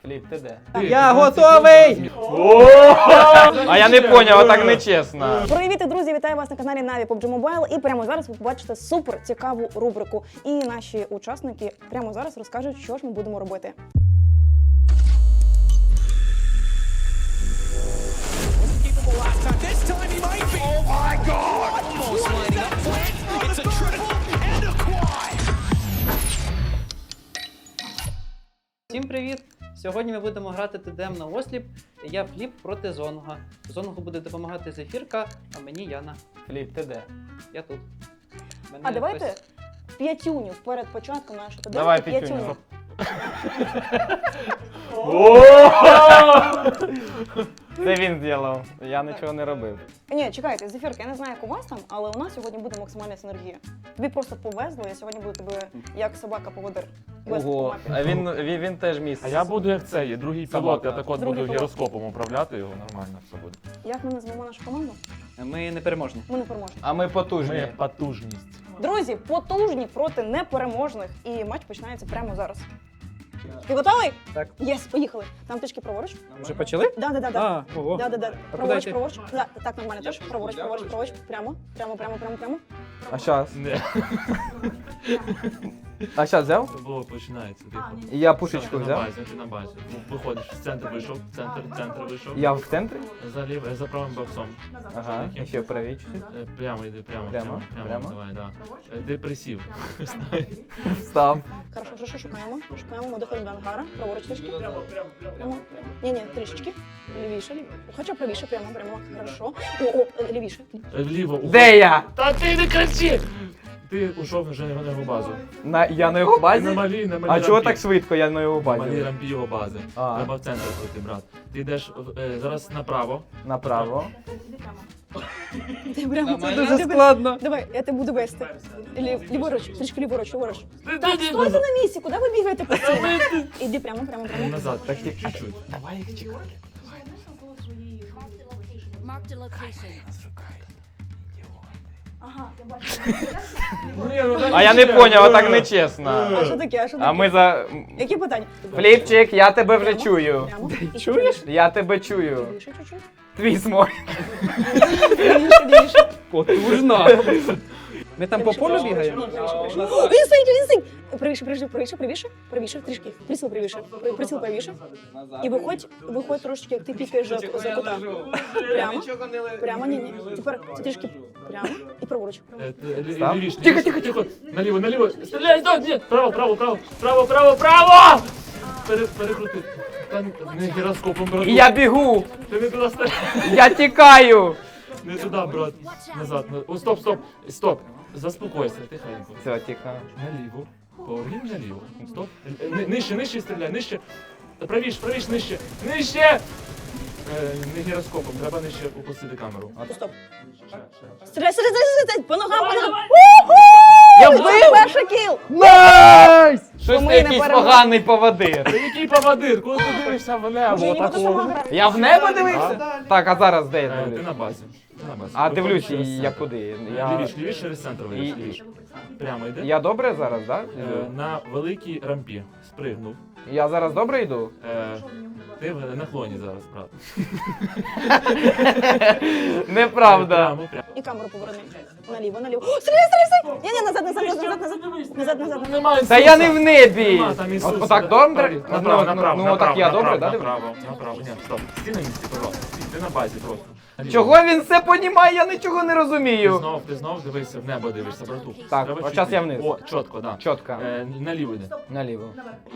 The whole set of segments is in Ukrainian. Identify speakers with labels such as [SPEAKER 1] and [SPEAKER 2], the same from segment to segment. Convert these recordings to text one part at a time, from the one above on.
[SPEAKER 1] Фліп, ти де?
[SPEAKER 2] Я готовий!
[SPEAKER 1] А я не поняв, а так не чесно.
[SPEAKER 3] Привіт, друзі! Вітаю вас на каналі Na'Vi PUBG Mobile. І прямо зараз ви побачите супер цікаву рубрику. І наші учасники прямо зараз розкажуть, що ж ми будемо робити.
[SPEAKER 2] Всім привіт! Сьогодні ми будемо грати ТДМ на осліп. Я Фліп проти Зонга. Зонгу буде допомагати Зефірка, а мені Яна.
[SPEAKER 1] Фліп, ти де?
[SPEAKER 2] Я тут.
[SPEAKER 3] А давайте п'ятюню перед початком нашого ТДМ.
[SPEAKER 1] Давай п'ятюню. Це він зробив, я нічого не робив.
[SPEAKER 3] Ні, чекайте, Зефірка, я не знаю, як у вас там, але у нас сьогодні буде максимальна синергія. Тобі просто повезло, я сьогодні буду тебе як собака-поводир вести по
[SPEAKER 1] Ого,
[SPEAKER 3] мапі.
[SPEAKER 1] а він теж міс.
[SPEAKER 4] А я буду як цей, другий пілот, я так от
[SPEAKER 3] Другий
[SPEAKER 4] буду
[SPEAKER 3] пілот.
[SPEAKER 4] гіроскопом управляти його, нормально все буде.
[SPEAKER 3] Як ми назвемо нашу команду?
[SPEAKER 2] Ми непереможні.
[SPEAKER 3] Ми не переможні.
[SPEAKER 1] А ми потужні.
[SPEAKER 4] Ми потужність.
[SPEAKER 3] Друзі, потужні проти непереможних. І матч починається прямо зараз. Ти готовий?
[SPEAKER 2] Так.
[SPEAKER 3] Єс, поїхали. Там трішки праворуч.
[SPEAKER 2] Вже почали?
[SPEAKER 3] Да.
[SPEAKER 2] Ого.
[SPEAKER 3] Да.
[SPEAKER 2] куди
[SPEAKER 3] Праворуч,
[SPEAKER 2] йти?
[SPEAKER 3] праворуч. Да, так, нормально теж. Праворуч. Прямо.
[SPEAKER 1] А щас?
[SPEAKER 4] Не.
[SPEAKER 1] А щас взяв?
[SPEAKER 4] Це було починається. Типу.
[SPEAKER 1] І я
[SPEAKER 4] Ти
[SPEAKER 1] пушечку
[SPEAKER 4] на
[SPEAKER 1] взяв.
[SPEAKER 4] базі, ти на базі. Виходиш, в центр вийшов, центр вийшов.
[SPEAKER 1] Я в центрі?
[SPEAKER 4] За правим боксом.
[SPEAKER 1] Ага, і ще правій чуть-чуть.
[SPEAKER 4] Прямо йди, прямо.
[SPEAKER 1] Прямо?
[SPEAKER 4] Давай, да. Ти присів.
[SPEAKER 1] Встав.
[SPEAKER 3] Хорошо, що шукаємо? Шукаємо, ми доходимо до ангара. Праворуч трішки. Прямо. Ні, трішечки. Лівіше. Хоча правіше, прямо. Хорошо. О, лівіше.
[SPEAKER 4] Вліво.
[SPEAKER 1] Де я?
[SPEAKER 4] Та ти не кричи! Ти ушов вже на його базу.
[SPEAKER 1] Я на його базі?
[SPEAKER 4] На малій
[SPEAKER 1] А чого
[SPEAKER 4] рампі.
[SPEAKER 1] так швидко я на його
[SPEAKER 4] На малій
[SPEAKER 1] базі?
[SPEAKER 4] рампі його бази.
[SPEAKER 1] А.
[SPEAKER 4] Треба в центр пройти, брат. Ти йдеш зараз направо.
[SPEAKER 1] Направо.
[SPEAKER 3] Ти прямо.
[SPEAKER 2] Це дуже складно.
[SPEAKER 3] Давай, я тебе буду вести. Ліворуч, трішки ліворуч. Так, стойте на місці, куди ви бігаєте постійно? Іди прямо.
[SPEAKER 4] Назад, так чуть-чуть.
[SPEAKER 1] Давай їх чекати.
[SPEAKER 5] Marked a location.
[SPEAKER 3] Ага, я бачу.
[SPEAKER 1] А я не поняв, а так не чесно.
[SPEAKER 3] А що таке?
[SPEAKER 1] А ми за...
[SPEAKER 3] Які питання?
[SPEAKER 1] Фліпчик, я тебе вже чую.
[SPEAKER 3] Прямо.
[SPEAKER 1] Чуєш? Я тебе чую.
[SPEAKER 3] Лівіше чуть-чуть.
[SPEAKER 1] Твій смой.
[SPEAKER 3] Лівіше.
[SPEAKER 2] Потужно. Ми там по полю бігаємо?
[SPEAKER 3] Він стоїть. Правіше, трішки. Приціл правіше. І виходь трошечки, як ти пікаєш за кута. Прямо, ні. Тепер трішки прямо і праворуч.
[SPEAKER 4] Лівіше. Тихо. Наліво. Стріляй, ні. Право! Перекрути. Не гіроскопом, брат.
[SPEAKER 1] Я бігу.
[SPEAKER 4] Ти не туди стріляй.
[SPEAKER 1] Я тікаю.
[SPEAKER 4] Не туди, брат. Назад. О, стоп. Заспокойся, тихенько.
[SPEAKER 1] Все, тихо.
[SPEAKER 4] Наліво. Поверніть наліво. Стоп. Нижче стріляй, нижче. Правіш, нижче. Не гіроскопом, треба нижче опустити камеру.
[SPEAKER 3] Стоп. Стріляй, по ногам.
[SPEAKER 1] Я вбив!
[SPEAKER 3] Перший кіл!
[SPEAKER 1] Найс! Щось
[SPEAKER 3] Ми
[SPEAKER 1] ти
[SPEAKER 3] не
[SPEAKER 1] якийсь
[SPEAKER 3] переможемо.
[SPEAKER 1] поганий поводир.
[SPEAKER 4] Та який поводир? Коли ти дивишся в небо
[SPEAKER 3] Вже ніхто сама
[SPEAKER 4] такого?
[SPEAKER 3] грає.
[SPEAKER 1] Я в небо дивився? Так, а зараз де я
[SPEAKER 4] Ти
[SPEAKER 1] дивлюсь?
[SPEAKER 4] на базі.
[SPEAKER 1] А дивлюсь,
[SPEAKER 4] Виходь через
[SPEAKER 1] я
[SPEAKER 4] центр.
[SPEAKER 1] куди?
[SPEAKER 4] Лівіше через центр вийдеш,
[SPEAKER 1] І-
[SPEAKER 4] лівіше. Прямо йде.
[SPEAKER 1] Я добре зараз, так?
[SPEAKER 4] На великій рампі спригнув.
[SPEAKER 1] Я зараз добре йду?
[SPEAKER 4] Ти в наклоні зараз, брат.
[SPEAKER 1] Неправда.
[SPEAKER 4] Прямо.
[SPEAKER 3] І камеру поверни. Наліво. О, стріляй! Ні, назад.
[SPEAKER 4] Немає
[SPEAKER 1] Та я не в небі!
[SPEAKER 4] Нема, там Ісус.
[SPEAKER 1] Отак добре?
[SPEAKER 4] Направо.
[SPEAKER 1] Ну отак я добре, так?
[SPEAKER 4] Направо. Ні, стоп. Стій на місці, пожалуйста. Ти на базі просто.
[SPEAKER 1] Чого він все понімає? Я нічого не розумію.
[SPEAKER 4] Ти знов дивишся в небо, дивишся, брату.
[SPEAKER 1] Так,
[SPEAKER 4] Треба
[SPEAKER 1] от
[SPEAKER 4] чуть
[SPEAKER 1] час я
[SPEAKER 4] нижче.
[SPEAKER 1] вниз.
[SPEAKER 4] О, чітко, да.
[SPEAKER 1] Чітко.
[SPEAKER 4] Наліво йде.
[SPEAKER 1] Наліво.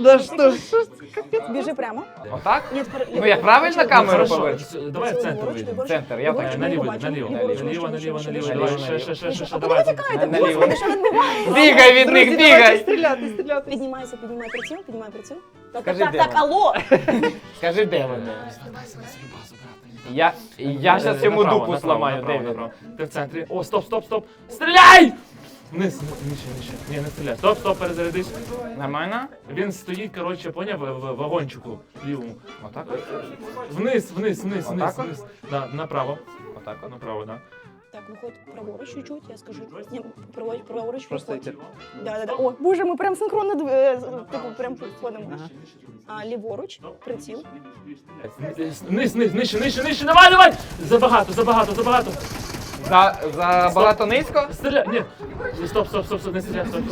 [SPEAKER 3] Біжи прямо.
[SPEAKER 1] Отак?
[SPEAKER 3] Ні, тепер
[SPEAKER 1] Ну я правильно камеру
[SPEAKER 4] Хорошо,
[SPEAKER 1] поверну?
[SPEAKER 4] давай в центр вийдемо.
[SPEAKER 1] Центр, я так.
[SPEAKER 4] Наліво,
[SPEAKER 3] Наліво.
[SPEAKER 4] наліво, давай, ще,
[SPEAKER 3] А куди
[SPEAKER 4] давай.
[SPEAKER 3] ви тікаєте?
[SPEAKER 1] Наліво.
[SPEAKER 3] Господи, що відбувається?
[SPEAKER 1] Бігай від них, бігай!
[SPEAKER 3] Піднімай приціл.
[SPEAKER 1] Скажи, де
[SPEAKER 3] Так,
[SPEAKER 1] вона?
[SPEAKER 3] алло!
[SPEAKER 1] Скажи, де вони?
[SPEAKER 4] Звертайся на свою базу, брат.
[SPEAKER 1] Я зараз йому
[SPEAKER 4] Направо,
[SPEAKER 1] дупу
[SPEAKER 4] направо,
[SPEAKER 1] зламаю,
[SPEAKER 4] направо,
[SPEAKER 1] де він?
[SPEAKER 4] направо. Ти в центрі. О, стоп. Стріляй! Вниз, нижче. Ні, не стріляй. Стоп, перезарядись.
[SPEAKER 1] Нормально?
[SPEAKER 4] Він стоїть, коротше, поняв, в вагончику лівому.
[SPEAKER 1] Отак?
[SPEAKER 4] Вниз.
[SPEAKER 1] Отак от?
[SPEAKER 4] Да, направо.
[SPEAKER 1] Отак от?
[SPEAKER 4] Направо, да.
[SPEAKER 3] Так, виходь праворуч чуть-чуть, я скажу. Ні, праворуч,
[SPEAKER 2] Просто
[SPEAKER 3] виходь.
[SPEAKER 2] йти.
[SPEAKER 3] Да. О, боже, ми прям синхронно, типу, прям входимо. А, ліворуч, приціл.
[SPEAKER 4] Низ, нижче, давай! Забагато.
[SPEAKER 1] За багато низько?
[SPEAKER 4] Стріляй, ні. Стоп, не стріляй, стоп.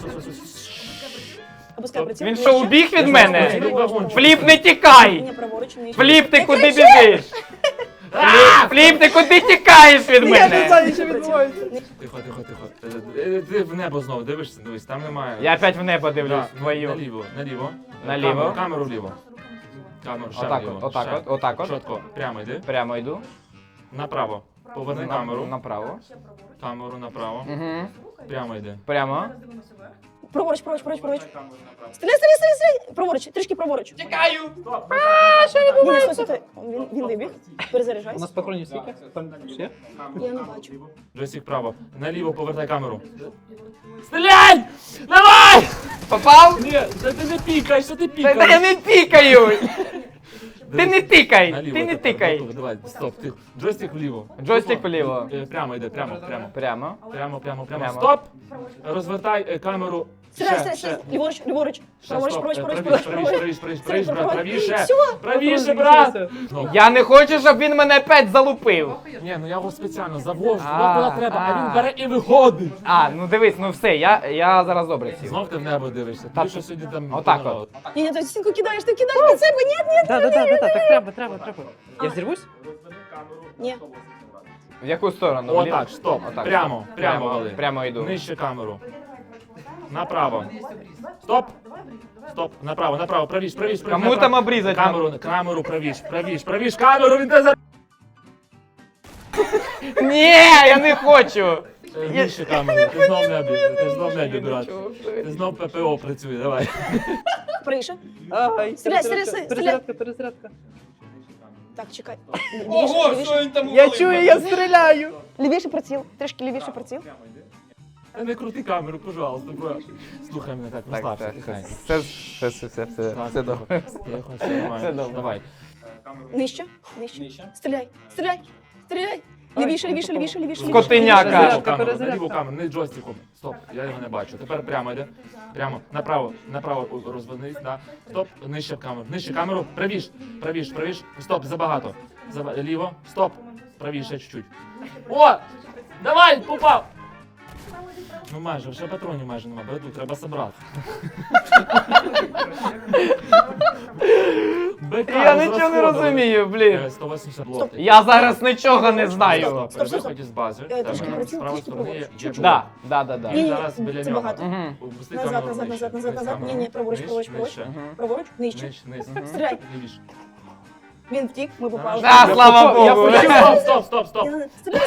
[SPEAKER 3] Опускай приціл.
[SPEAKER 1] Він що, убіг від мене?
[SPEAKER 4] Вагончик.
[SPEAKER 1] Фліп, не тікай!
[SPEAKER 3] Ні, праворуч, нижче.
[SPEAKER 1] Фліп, ти куди біжиш? Фліп, ти куди тікаєш від мене?
[SPEAKER 2] що відбувається.
[SPEAKER 4] Тихо. Ти в небо знову дивишся, дивись, там немає.
[SPEAKER 1] Я опять в небо дивлюсь,
[SPEAKER 4] Да,
[SPEAKER 1] твою.
[SPEAKER 4] Наліво.
[SPEAKER 1] Наліво.
[SPEAKER 4] Камеру вліво. Камеру ще
[SPEAKER 1] Отак
[SPEAKER 4] вліво.
[SPEAKER 1] от, отак
[SPEAKER 4] ще.
[SPEAKER 1] от, отак от.
[SPEAKER 4] Чітко, прямо йди.
[SPEAKER 1] Прямо йду.
[SPEAKER 4] Направо. Поверни камеру.
[SPEAKER 1] Направо.
[SPEAKER 4] Камеру направо.
[SPEAKER 1] Угу.
[SPEAKER 4] Прямо йди.
[SPEAKER 1] Прямо.
[SPEAKER 3] Праворуч. Стріляй. Праворуч, трішки праворуч.
[SPEAKER 1] Тікаю!
[SPEAKER 3] Ні, стой. Він вибіг.
[SPEAKER 2] У
[SPEAKER 3] Перезаряджайся.
[SPEAKER 2] нас патронів скільки? Там ще?
[SPEAKER 3] Я не бачу.
[SPEAKER 4] Джойстик вправо. Наліво повертай камеру. Стріляй! Давай!
[SPEAKER 1] Попав?
[SPEAKER 4] Ні, та ти не пікай, що ти
[SPEAKER 1] Та
[SPEAKER 4] пікаєш?
[SPEAKER 1] я не пікаю! Ти не тикай!
[SPEAKER 4] Наліво
[SPEAKER 1] Ти не
[SPEAKER 4] тепер,
[SPEAKER 1] тикай!
[SPEAKER 4] готово, давай, стоп, ти. Джойстик вліво.
[SPEAKER 1] Джойстик вліво.
[SPEAKER 4] Прямо йде, прямо.
[SPEAKER 1] Прямо.
[SPEAKER 4] Прямо. Стоп! Розвертай камеру.
[SPEAKER 3] Стріляй. Ліворуч. Праворуч.
[SPEAKER 4] Правіше, брат, правіше.
[SPEAKER 3] Всьо.
[SPEAKER 4] Правіше, брат. Ну,
[SPEAKER 1] Я не хочу, щоб він мене опять залупив.
[SPEAKER 4] ні, ну я його спеціально завожу,
[SPEAKER 1] А,
[SPEAKER 4] туди, куди треба, а
[SPEAKER 1] а.
[SPEAKER 4] він бере і виходить.
[SPEAKER 1] А, ну дивись, ну все, я зараз добре сів.
[SPEAKER 4] Знов ти в небо дивишся.
[SPEAKER 1] Та-
[SPEAKER 4] Ти що сьогодні там...
[SPEAKER 1] Отак от.
[SPEAKER 3] Ні, ти стінку кидаєш під себе. Ні.
[SPEAKER 2] Так треба. Я взірвусь?
[SPEAKER 3] Ні.
[SPEAKER 1] В яку сторону?
[SPEAKER 4] О,
[SPEAKER 1] Вліво?
[SPEAKER 4] так, стоп.
[SPEAKER 1] Отак.
[SPEAKER 4] Прямо вали.
[SPEAKER 1] Прямо йду.
[SPEAKER 4] Нижче камеру. Направо. Стоп. Направо. Правіш.
[SPEAKER 1] Кому там обрізати?
[SPEAKER 4] Камеру, правіш. Камеру, він те за...
[SPEAKER 1] Ні, я не хочу.
[SPEAKER 4] Нижче камеру. Ти знов небі, брат. Ти знов ППО працює, давай.
[SPEAKER 3] Правіше.
[SPEAKER 2] Ай,
[SPEAKER 3] Стріляй.
[SPEAKER 2] Перезарядка.
[SPEAKER 3] Так, чекай.
[SPEAKER 1] він там
[SPEAKER 2] Я чую, я стріляю.
[SPEAKER 3] Лівіше приціл. Трішки лівіше приціл.
[SPEAKER 4] Та не крути камеру, пожалуйста, брат. Слухай мене так, розслабся, тихай.
[SPEAKER 1] Все добре.
[SPEAKER 4] Тихо, все нормально.
[SPEAKER 1] добре.
[SPEAKER 4] Давай.
[SPEAKER 3] Нижче. Стріляй. Лівіше.
[SPEAKER 1] Скотиняка.
[SPEAKER 2] Перезарядка.
[SPEAKER 4] Наліво камеру, не джойстиком. Стоп, я його не бачу. Тепер прямо йде. Прямо, направо розвернись, да. Стоп, нижче камеру, правіш. Стоп, забагато. Ліво, стоп, правіше чуть-чуть. О! Давай, попав! Ну майже, вже патронів майже нема, брату, треба собрати.
[SPEAKER 1] Я нічого не розумію, блін.
[SPEAKER 4] 180 блок.
[SPEAKER 1] Я зараз нічого не знаю.
[SPEAKER 4] Стоп, виходь із бази.
[SPEAKER 3] Трішки
[SPEAKER 4] Там,
[SPEAKER 3] приціл,
[SPEAKER 4] з правої
[SPEAKER 3] трішки
[SPEAKER 4] сторони є
[SPEAKER 3] праворуч.
[SPEAKER 4] блок.
[SPEAKER 1] Да.
[SPEAKER 3] Ні,
[SPEAKER 4] Він зараз біля
[SPEAKER 3] це
[SPEAKER 4] нього.
[SPEAKER 3] багато.
[SPEAKER 1] Мгм.
[SPEAKER 4] Опусти
[SPEAKER 3] Назад.
[SPEAKER 4] камеру нижче.
[SPEAKER 3] Ні, праворуч.
[SPEAKER 4] Нижче.
[SPEAKER 3] Праворуч, нижче.
[SPEAKER 4] Низ.
[SPEAKER 3] Стріляй.
[SPEAKER 4] Лівіше.
[SPEAKER 3] Він втік, ми попали.
[SPEAKER 1] А, слава Богу.
[SPEAKER 4] Стоп.
[SPEAKER 3] Стріляй.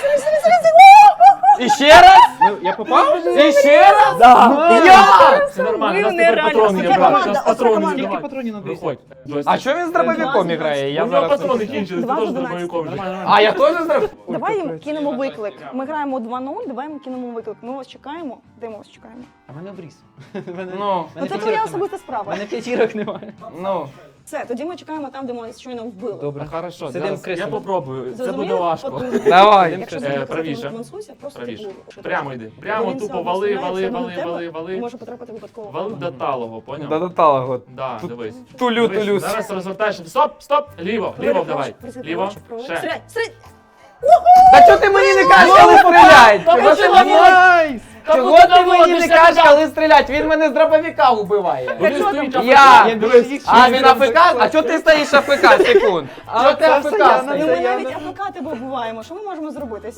[SPEAKER 1] І ще раз? Я попав? І ще раз? Я!
[SPEAKER 4] Це нормально, у нас
[SPEAKER 3] Ви
[SPEAKER 4] тепер
[SPEAKER 3] нереально.
[SPEAKER 4] патрони є,
[SPEAKER 3] Оце
[SPEAKER 4] брат.
[SPEAKER 3] команда,
[SPEAKER 4] У нас
[SPEAKER 3] оце
[SPEAKER 4] патрони
[SPEAKER 3] команда.
[SPEAKER 4] є,
[SPEAKER 2] Скільки
[SPEAKER 4] давай.
[SPEAKER 2] патронів набрати?
[SPEAKER 4] Виходь.
[SPEAKER 1] А що він з дробовиком грає? Я
[SPEAKER 4] У нього
[SPEAKER 1] зараз...
[SPEAKER 4] патрони кінчились, ти
[SPEAKER 3] Два
[SPEAKER 4] теж
[SPEAKER 3] за
[SPEAKER 4] дробовиком вже.
[SPEAKER 1] А, я теж з дробовиком?
[SPEAKER 3] Давай їм кинемо виклик. Ми граємо 2-0, давай їм кинемо виклик. Ми вас чекаємо. Де ми вас чекаємо?
[SPEAKER 2] А в мене обріз.
[SPEAKER 1] Ну,
[SPEAKER 3] Ну це твоя особиста справа.
[SPEAKER 2] мене п'ятірок немає.
[SPEAKER 1] ну.
[SPEAKER 3] Все, тоді ми чекаємо там, де ми щойно вбили.
[SPEAKER 2] Добре.
[SPEAKER 4] Хорошо,
[SPEAKER 2] Сидим
[SPEAKER 4] зараз я
[SPEAKER 2] крисами.
[SPEAKER 4] попробую. Це
[SPEAKER 3] Зрозуміли?
[SPEAKER 4] буде важко.
[SPEAKER 3] От,
[SPEAKER 1] Давай.
[SPEAKER 3] Якщо
[SPEAKER 4] Правіше.
[SPEAKER 3] мансуйся, просто
[SPEAKER 4] Правіше.
[SPEAKER 3] типу,
[SPEAKER 4] Прямо йди.
[SPEAKER 3] бо
[SPEAKER 4] Прямо
[SPEAKER 3] він
[SPEAKER 4] тупо
[SPEAKER 3] сам
[SPEAKER 4] вали.
[SPEAKER 3] посміється на тебе і
[SPEAKER 4] Вали.
[SPEAKER 3] може потрапити випадково.
[SPEAKER 4] Вали до талого, поняв?
[SPEAKER 1] Да, до талого.
[SPEAKER 4] Да, дивись.
[SPEAKER 1] Тулю.
[SPEAKER 4] Дивись, зараз розвертаєш. Стоп. Ліво давай. Ліво. Ще.
[SPEAKER 3] Стріляй.
[SPEAKER 1] Та чого ти мені не кажеш, коли стрілять? Чого ти мені не...
[SPEAKER 2] Найс!
[SPEAKER 1] Чого ти мені не кажеш, коли стрілять? Він мене з дробовика убиває.
[SPEAKER 4] Він стоїть
[SPEAKER 1] Я.
[SPEAKER 2] Я більше їх
[SPEAKER 1] А, він АФК? А чого ти стоїш АФК? Секунд. Чого ти
[SPEAKER 2] це
[SPEAKER 1] АФК
[SPEAKER 2] Саяна,
[SPEAKER 3] Ну
[SPEAKER 1] стоїш?
[SPEAKER 3] ми
[SPEAKER 2] Це
[SPEAKER 3] навіть
[SPEAKER 2] я-
[SPEAKER 3] АФК тебе вбиваємо. Що ми можемо зробити?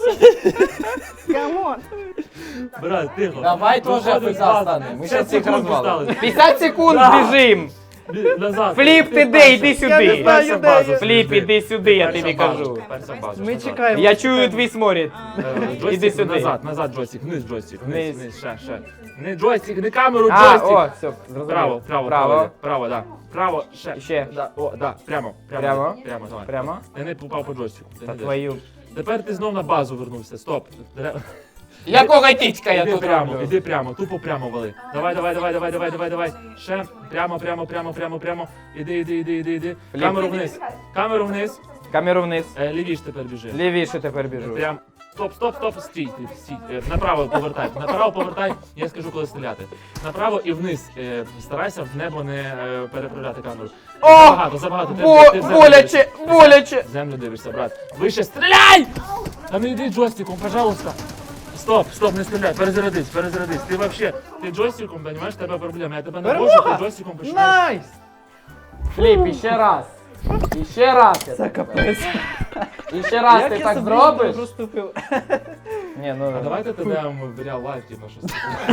[SPEAKER 3] Камон.
[SPEAKER 4] Брат, тихо.
[SPEAKER 1] Давай теж
[SPEAKER 4] Виходить
[SPEAKER 1] АФК
[SPEAKER 4] з бази.
[SPEAKER 1] станемо. Ми
[SPEAKER 4] 50
[SPEAKER 1] зараз їх
[SPEAKER 4] секунд
[SPEAKER 1] розвалимо.
[SPEAKER 4] осталось.
[SPEAKER 1] 50 секунд біжим.
[SPEAKER 4] Назад.
[SPEAKER 1] Фліп, ти де?
[SPEAKER 4] перша.
[SPEAKER 1] Іди
[SPEAKER 2] Я не
[SPEAKER 1] сюди.
[SPEAKER 2] знаю,
[SPEAKER 4] Перша
[SPEAKER 2] де
[SPEAKER 4] база.
[SPEAKER 2] я.
[SPEAKER 1] Фліп, іди сюди, я
[SPEAKER 4] Перша
[SPEAKER 1] тобі
[SPEAKER 4] база.
[SPEAKER 1] кажу.
[SPEAKER 4] Перша база.
[SPEAKER 2] Ми
[SPEAKER 4] назад.
[SPEAKER 2] чекаємо.
[SPEAKER 1] Я чую твій сморід.
[SPEAKER 4] Джойстик
[SPEAKER 1] Іди сюди.
[SPEAKER 4] Назад джойстик, вниз джойстик,
[SPEAKER 1] Вниз.
[SPEAKER 4] вниз, ще. Не джойстик, не камеру,
[SPEAKER 1] А,
[SPEAKER 4] джойстик.
[SPEAKER 1] о, все, зрозумів.
[SPEAKER 4] Право, да. Право, ще.
[SPEAKER 1] Ще.
[SPEAKER 4] Да, о, да, прямо,
[SPEAKER 1] Прямо?
[SPEAKER 4] давай.
[SPEAKER 1] Прямо?
[SPEAKER 4] Я не попав по джойстику. Ти
[SPEAKER 1] Та
[SPEAKER 4] не йдеш.
[SPEAKER 1] твою.
[SPEAKER 4] Тепер ти знов на базу вернувся, стоп.
[SPEAKER 1] Якого тічка я
[SPEAKER 4] Іди
[SPEAKER 1] тут
[SPEAKER 4] прямо,
[SPEAKER 1] роблю?
[SPEAKER 4] іди прямо, тупо прямо вали. Давай. Ще, прямо. Іди.
[SPEAKER 1] Фліп.
[SPEAKER 4] Камеру вниз.
[SPEAKER 1] Камеру вниз.
[SPEAKER 4] Лівіш тепер біжи.
[SPEAKER 1] Лівіше тепер біжу.
[SPEAKER 4] Прям. Стоп, стій, стій. Направо повертай, я скажу, коли стріляти. Направо і вниз. Старайся в небо не переправляти камеру. Забагато. Ти в землю
[SPEAKER 1] Боляче,
[SPEAKER 4] дивишся.
[SPEAKER 1] боляче.
[SPEAKER 4] В землю дивишся, брат. Вище стріляй! Та не йди джойстиком, пожалуйста. Стоп, не стріляй, перезарядись. Ти вообще, ти джойстиком, розумієш, тебе проблема. Я тебе не можу, ти джойстиком починаєш.
[SPEAKER 2] Найс!
[SPEAKER 1] Фліп, іще раз. Іще раз.
[SPEAKER 2] Це капець.
[SPEAKER 1] Іще раз
[SPEAKER 2] Як
[SPEAKER 1] ти
[SPEAKER 2] я
[SPEAKER 1] так
[SPEAKER 2] собі
[SPEAKER 1] зробиш?
[SPEAKER 2] розступив?
[SPEAKER 1] Ні, ну...
[SPEAKER 4] А давайте тебе в реал лайф, типу, щось.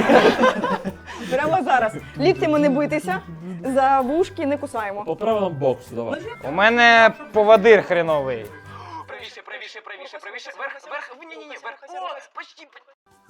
[SPEAKER 3] Прямо зараз. Ліктями не битися, за вушки не кусаємо.
[SPEAKER 4] По правилам боксу, давай.
[SPEAKER 1] У мене поводир хреновий.
[SPEAKER 6] Правіше, вверх, ні, вверх. О, почти.